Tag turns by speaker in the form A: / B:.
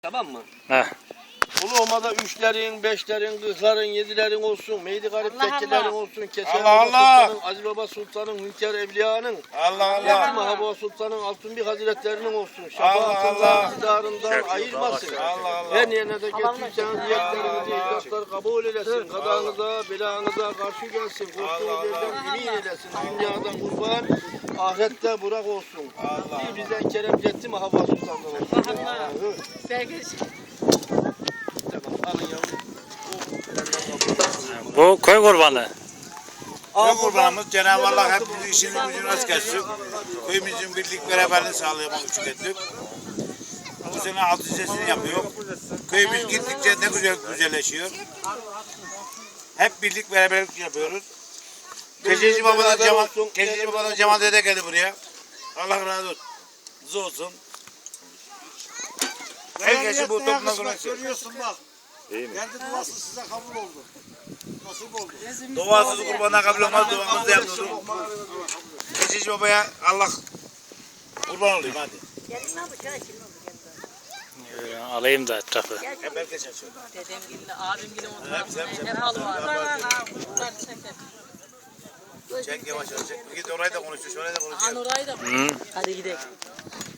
A: Tamam mı?
B: Heh.
A: Uluma'da 3'lerin, 5'lerin, 40'ların, 7'lerin olsun. Meydi garip
C: Allah
A: tekkilerin
C: Allah.
A: olsun. Keser
D: Allah
A: Baba
D: Allah.
A: Sultan'ın, Aziz Baba Sultan'ın, Hünkâr Evliya'nın,
D: Allah
A: Yettim
D: Allah.
A: Mahaba Sultan'ın, Altınbik Hazretlerinin olsun.
D: Allah Allah.
A: Şefaatından, iktidarından ayırmasın.
D: Allah Allah.
A: Her yerine de getirseniz niyetlerinizi, ihlaslar kabul eylesin. Kadanıza, belanıza karşı gelsin. Korktuğunuz yerden emin eylesin. Dünyadan kurban, ahirette burak olsun. Bir bizden Kerem Yettim Mahaba Sultan'dan olsun.
C: Allah. Sevgili
A: Tamam, alın yavrum.
B: Bu köy kurbanı.
D: Köy kurbanımız Cenab-ı Allah hepimizin işini gücünü rast gelsin. Köyümüzün birlik beraberliğini sağlayamak için ettik. Bu sene 6 sesini yapıyor. Köyümüz gittikçe ne güzel güzelleşiyor. Hep birlik beraberlik yapıyoruz. Keçeci Babadan Cemal Dede geldi buraya. Allah razı olsun. Razı olsun. Herkesi bu toplumdan konuşuyor.
E: Görüyorsun bak. Kendi duası size kabul oldu. Nasip oldu.
D: Duasız kurbana kabul olmaz, duamızı da yaptık. Keçeci Baba'ya Allah kurban olayım hadi.
B: Alayım da etrafı.
D: Hep herkes yaşıyor.
C: dedemgille, abimgille
D: Hep.
C: hep halı var.
D: Çek yavaş yavaş çek. Git orayı da konuşuyor, şurayı da konuşuyor.
C: Orayı da.
B: Hı.
C: Hadi gidelim.